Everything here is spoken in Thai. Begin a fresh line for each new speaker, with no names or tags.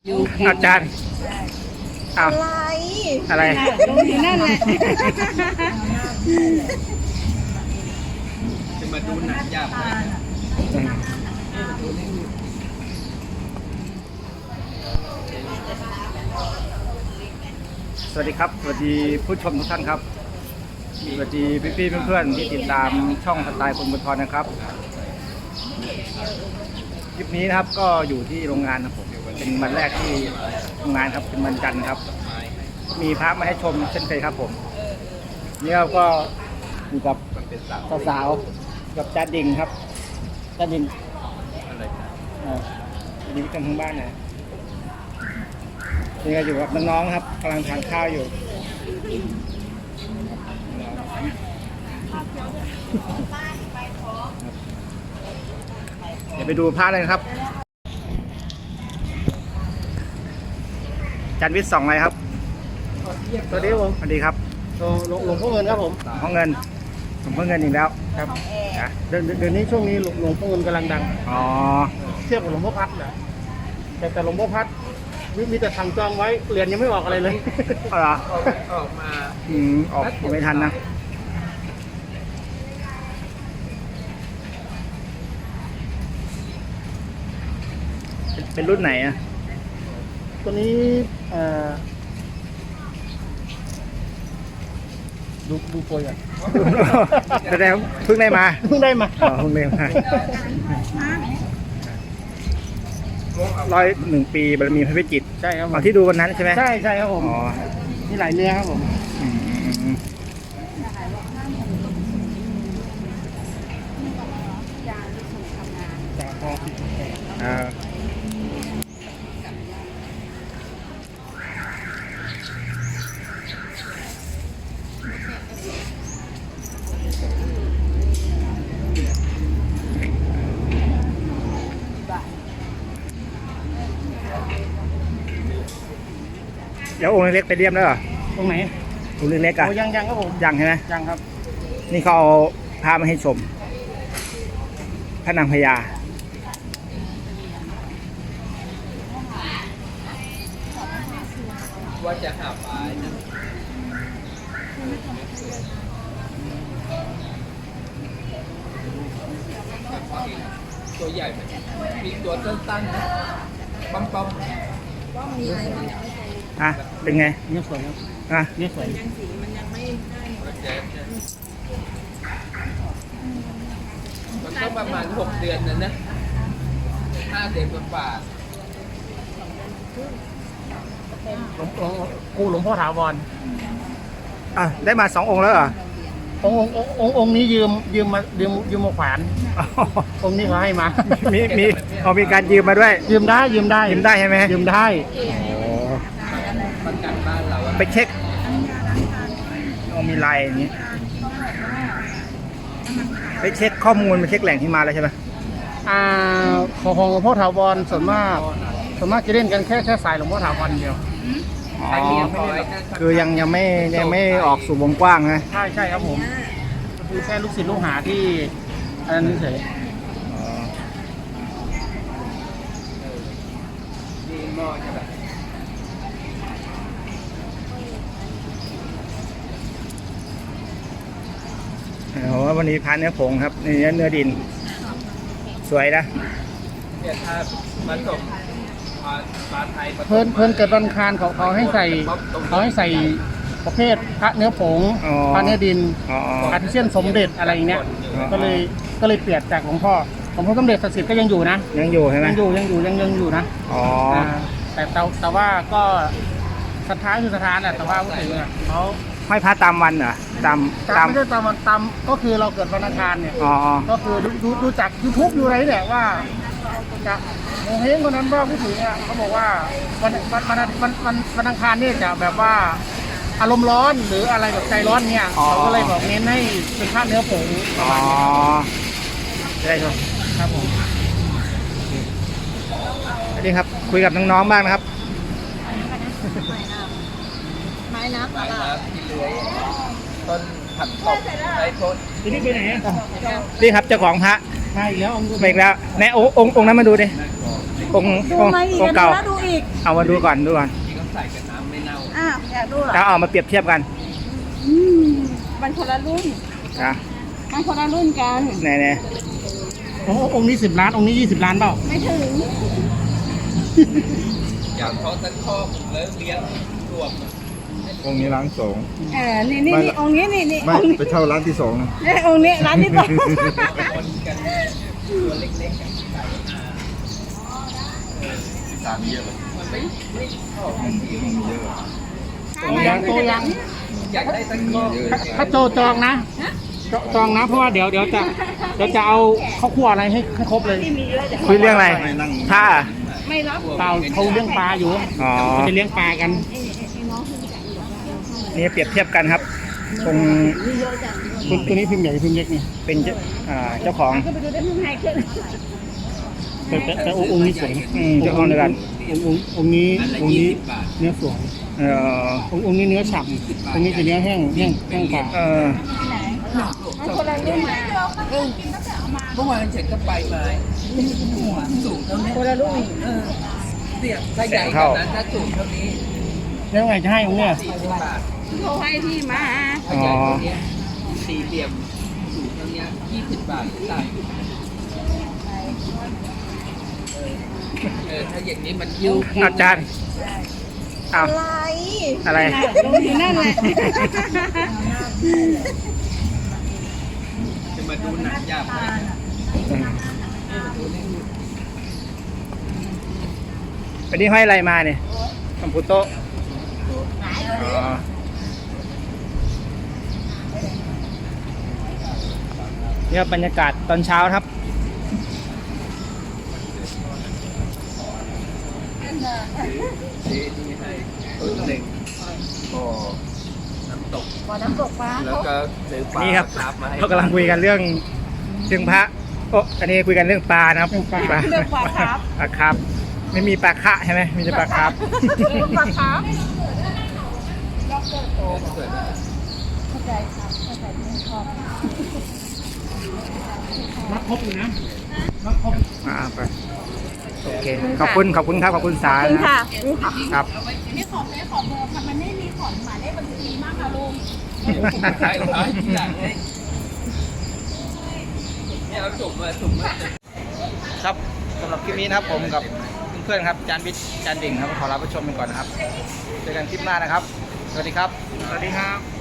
อาจารย์อ้าวอะไร
นั่นแหละ
จะมาดูหนังยากไหม
สวัสดีครับสวัสดีผู้ชมทุกท่านครับสวัสดีพี่ๆเพื่อนๆที่ติดตามช่องสไตล์คนบุญทรนะครับคลิปนี้นะครับก็อยู่ที่โรงงานครับผมเป็นวันแรกที่โรงงานครับเป็นวันจันทร์ครับมีพระมาให้ชมเช่นเคยครับผมนี่เราก็อยู่กับสาวๆกับจ้าดิ่งครับจ้าดิ่ง
อะไร
นี่กันทั้งบ้านนะนี่ก็อยู่กับน้องๆครับกำลังทานข้าวอยู่เดี๋ยวไปดูพระเลยครับจันวิทย์2อะไรครับ
สวัสดีครับผม
สวัสดีครับ
หลวงพ่อเงินครับผม
ห้องเงินผมเพิ่งเงินอีกแล้ว
ครับเดี๋ยวนี้ช่วงนี้หลวงพ่อเงินกำลังดัง
อ๋อ
เทียบกับหลวงพ่อพัดแหละแต่หลวงพ่อพัดมีแต่สั่งจองไว้เหรียญยังไม่ออกอะไรเลย
เอาเหรอ
ออกมา
ออกไม่ทันนะเป็นรุ่นไหนอ่ะ
ตัวนี้ดูโปรยอ่ะ
แสดงเพิ่งได้มา
เพิ่งได้มา
อ๋อเพิ่งได้มา101 ปีบารมีพระพิจิตร
ใช่ครับผม
ที่ดูวันนั้นใช่ไหม
ใช่ครับผม
อ๋อ
มีหลายเนื้อครับผม
อืมอ่าเดี๋ยวองค์เล็กๆไปเรียมแล้วเหรอ
ตรงไหน
องค์เล็กๆอ่ะ
โอ้ยังครับผม
ยังใช่ไหม
ยังครับ
นี่เขาเอาพามาให้ชมพระนางพญา
ว่าจะหาปลานะตัวใหญ่ไหมมีตัวสั้นๆนะปั๊ม
อ่ะเป็นไง
เนื้อสวยครับ
อ่ะ
เนื้อสวย
มันก็ประมาณ6 เดือนนะ5 เดือนกว่า
หลวงพ่อถาวร
อ่ะได้มา2 องค์แล้วเหรอ
องค์นี้ยืมมาขวานองค์นี้เขาให้มา
มีการยืมมาด้วย
ยืมได้
ยืมได้ใช่ไหม
ยืมได้
ประกันบ้านเราอะ
ไปเช็คมีลายอย่างนี้ไปเช็คข้อมูลไปเช็คแหล่งที่มาแล้วใช่ไหม
ของหลวงพ่อถาวรส่วนมากจะเล่นกันแค่สายหลวงพ่อถาวรเดียว
อ๋อคือยังไม่ออกสู่วงกว้างนะ
ใช่ครับผมคือแค่ลูกศิษย์ลูกหาที่อันนั้นเฉย
มีหม้อใช่ไหม
โอ้วันนี้พาเนื้อผงครับเนื้อดินสวยนะ
เนี่ยถ้าผสมปลาไทยผสม
เพิ่นเกิดวันอังคารเขาให้ใส่ประเภทพระเนื้อผงพระเนื้อดิน อาทิเช่นสมเด็จอะไรอย่างเงี้ยก็เลยเปลี่ยนจากหลวงพ่อสมเด็จศักดิ์สิทธิ์ก็ยังอยู่นะ
ยังอยู่ใช่ไหม
ยังอยู่นะ
อ๋อ
แต่ว่าก็ศรัทธาคือศรัทธาแหละแต่ว่าพูดถึงเขา
ห้อยพระตามวันเหรอตาม
ไม่ใช่ตามก็คือเราเกิดวันอังคารเนี่ย
อ๋อ
ก็คือดูจาก YouTube อยู่ไรเนี่ยว่าจะโมเฮงคนนั้นว่าพูดถึงอ่ะเขาบอกว่าวันอังคารนี่จะแบบว่าอารมณ์ร้อนหรืออะไรแบบใจร้อนเนี่ยเขาก็เลยบอกเน้นให้เป็นผ้าเนื้อผงประมาณนี้
ได้ครับ
ผม
สวัสดีครับคุยกับน้องๆบ้างนะครับ
ไม้น้ำที่เลื้อยต้นผักตบไอ้ต้น
ทีนี้ไปไหนอ่ะ
นี่ครับเจ้าของพระ
มาอีกแล้วองค์
ไปอีกแล้วแน่องค์นั้นมาดูดิองค์
ดู
องค์
มาอีก
องค์เก่า
แล้วดูอีก
เอามาดูก่อนดูก่อน
ที่เขาใส่กับน้ำไม่เน่า
อ้าวอยากดูเหรอ
แล้วเอามาเปรียบเทียบกัน
อืมมันคนละรุ่น
นะ
มันคนละรุ่นกัน
ไหน
โอ้องค์นี้10 ล้านองค์นี้20 ล้านเปล่า
ไม่ถึง
อย่างเขาตั้งข้อแล้วเลี้ยงรวม
องค์นี้ร้านสอง
นี่นี่นี่องค์นี้นี่นี่
ไม่
องค์นี้
ไปเช่าร้านที่สองนะ
องค์นี้ร้านที่สอง
คนกันตัวเล็กๆกันใส่
สามเยอะเลย
มันไม่ชอบ
มีเยอะ
ตัวยังตัวยัง
อยากได้ตั้งข้อ
ถ้าโจจองนะจองนะเพราะว่าเดี๋ยวจะเอาข้าวคั่วอะไรให้ครบเลย
ที่มีเยอะแต่
ๆคุยเรื่องอะไรถ้า
ไม่รับ
เปล่าเขาเลี้ยงปลาอยู่
อ๋อ
เขาจะเลี้ยงปลากัน
นี่เปรียบเทียบกันครับตรง
ตัวนี้พิมพ์ใหญ่พิมพ์เล็กนี่
เป็นเจ้าของ
ก็ไปดูได้ข้างในขึ้น
แต่องค์นี้สวย
เจ้าของเดียวกัน
องค์นี้เนื้อสวย
เออ
องค์นี้เนื้อฉ่ำองค์นี้จะเนื้อแห้งกว่า
เออ
มันคนละรุ่นมา
เมื่อวานฉันก็ไปมาสูงเท่านี้
คนละรุ่น
เสียถ้าใหญ่กว่านั้นถ้าสูงเท่านี้
แล้วไงจะให้องค์เนี่ย
40 บาท
เขาให้ที่มา
ถ้าใหญ่กว่านี้สี่เหลี่ยมสูงเท่านี้20 บาทต่างถ้าอย่างนี้มันยิ้ว
อาจารย์เอา
อะไร
อะไร
ลงอยู่นั่นแหละ
จะมาดูหนังยากไหม
ไปนี่ห้อยอะไรมาเนี่ยคอมพุโตะอ๋อนี่ครับบรรยากาศตอนเช้าครับ
ที่ให้ตัวหนึ่งก็น้ำตก
บ่อน้ำตกปลา
แล้วก็ซื้อปลา
นี่ครับ
ครับมาให้
เรากำลังคุยกันเรื่องพระโอ้อันนี้คุยกันเรื่องปลานะครับ
เรื่องปลาครับ
ปลาครับ ไม่มีปลาคะใช่ไหมมีแต่ปลาครับ
เรื่องปลาครับ
เกิด
เข้าใจครับเข้าใจไม่ชอบ
รับครบอยู่นะรับครบ
ไปโอเคขอบคุณครับขอบคุณสา
จริงค่ะ
ครับ
นี่ขอเบอร์ค่ะมันไม่มีขอหมายเลขบัญชีมากค่ะลุง
ขายร้อยอย่างนี้เนี่ยเอาจุ่มมา
ครับสำหรับคลิปนี้นะครับผมกับเพื่อนๆครับจานบิ๊กจานดิ่งครับขอลาผู้ชมไปก่อนนะครับเจอกันคลิปหน้านะครับ สวัสดีครับ
สวัสดีครับ